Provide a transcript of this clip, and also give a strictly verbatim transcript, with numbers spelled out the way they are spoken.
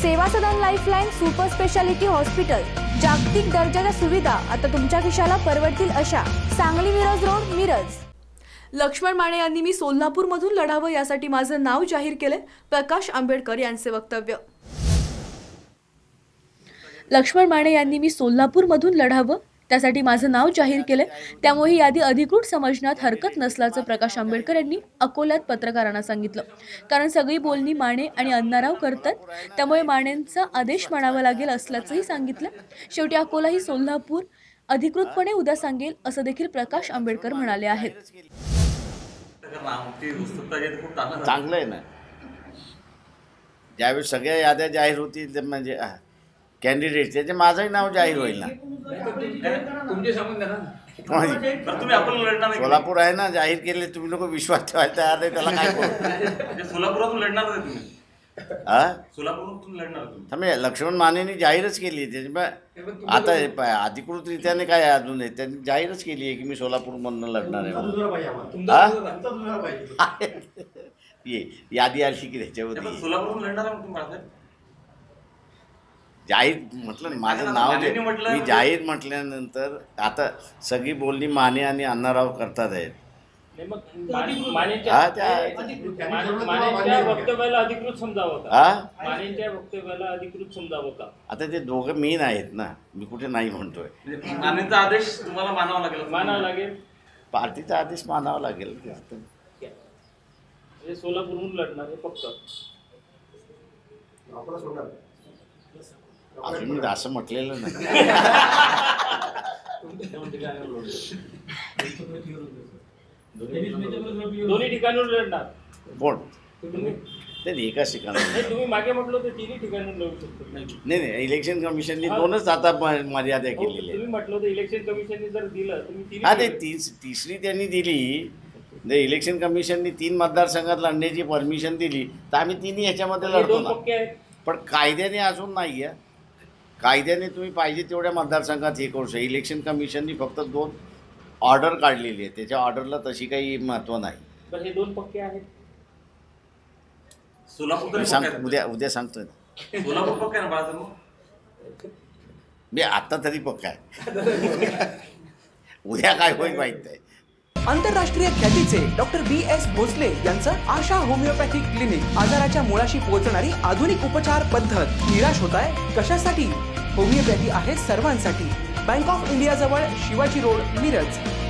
सेवा Sadan lifeline super speciality hospital, जागतिक दर्जाच्या सुविधा आता तुमच्या खिशाला परवडतील अशा। सांगली मिरज रोड, मिरज। लक्ष्मण माने यांनी मी सोलापूरमधून लढावं यासाठी माझं नाव जाहीर केले। प्रकाश आंबेडकर यांचे वक्तव्य। लक्ष्मण माने यांनी मी सोलापूरमधून लढावं त्यासाठी माझं नाव जाहीर केले, त्यामुळे ही यादी अधिकृत समजण्यात हरकत नसल्याचं प्रकाश आंबेडकर यांनी अकोल्यात पत्रकारांना सांगितलं। कारण सगळी बोलणी माने आणि अण्णाराव करतात, त्यामुळे मानेंचा आदेश मानावा लागेल असल्याचंही सांगितलं। शेवटी अकोला ही सोलापूर अधिकृतपणे उद्या सांगेल असं देखील प्रकाश आंबेडकर म्हणाले आहेत। चांगलं आहे ना, ज्यावेळी सगळ्या याद्या जाहीर होतील म्हणजे कॅन्डिडेट त्याचे माझंही नाव जाहीर होईल ना। सोलापूर आहे ना, जाहीर केले, तुम्ही लोक विश्वास ठेवायला तयार नाही, त्याला काय करू? सोलापुरातून लढणार आहे तुम्ही? हा, सोलापूरमधून लढणार तुम्ही? थांबे, लक्ष्मण मानेंनी जाहीरच केली त्याची। आता अधिकृतरित्याने काय अजून आहे, त्यांनी जाहीरच केली आहे की मी सोलापूरमधून लढणार आहे। ये यादी आली की त्याच्यावरती सोलापूरमधून लढणार आहे तुम्ही? जाहीर म्हटलं माझं नाव मी जाहीर म्हटल्यानंतर आता सगळी बोलणी माने आणि अण्णाराव करतात आहेत। मानेच्या वक्तव्याला अधिकृत समजावं का? मानेच्या वक्तव्याला अधिकृत समजावं का? आता ते दोघं मेन आहेत ना, मी कुठे नाही म्हणतोय। मानेचा आदेश तुम्हाला मानावा लागेल? मानावा लागेल, पार्टीचा आदेश मानावा लागेल। सोलापूरहून लढणार आहे फक्त, अजून मी असं म्हटलेलं नाही। दोन्ही ठिकाणून लढणार कोण? नाही, एकाच ठिकाणी तुम्ही मागे म्हटलं तर तिन्ही ठिकाणून लढू शकतो। नाही नाही, इलेक्शन कमिशनने दोनच आता मर्यादा केलेली आहे। तुम्ही म्हटलं तर इलेक्शन कमिशनने जर दिलं तुम्ही हा, ते तीस तिसरी त्यांनी दिली, जर इलेक्शन कमिशनने तीन मतदारसंघात लढण्याची परमिशन दिली तर आम्ही तिन्ही ह्याच्यामध्ये लढतो ना। पण कायद्याने अजून नाही आहे, कायद्याने तुम्ही पाहिजे तेवढ्या मतदारसंघात हे करू शकता। इलेक्शन कमिशननी फक्त दोन ऑर्डर काढलेली आहे, त्याच्या ऑर्डरला तशी काही महत्त्व नाही। पण हे दोन पक्के आहेत। सोलापूर सांग उद्या उद्या सांगतोय ना। सोलापूर पक्का आहे ना बाळा? मी आत्ता तरी पक्का आहे, उद्या काय होईल माहीत नाही। आंतरराष्ट्रीय ख्यातीचे डॉक्टर बी एस भोसले यांचं आशा होमिओपॅथिक क्लिनिक, आजाराच्या मुळाशी पोहोचणारी आधुनिक उपचार पद्धत। निराश होताय कशासाठी? होमिओपॅथी आहे सर्वांसाठी। बँक ऑफ इंडिया जवळ शिवाजी रोड, मिरज।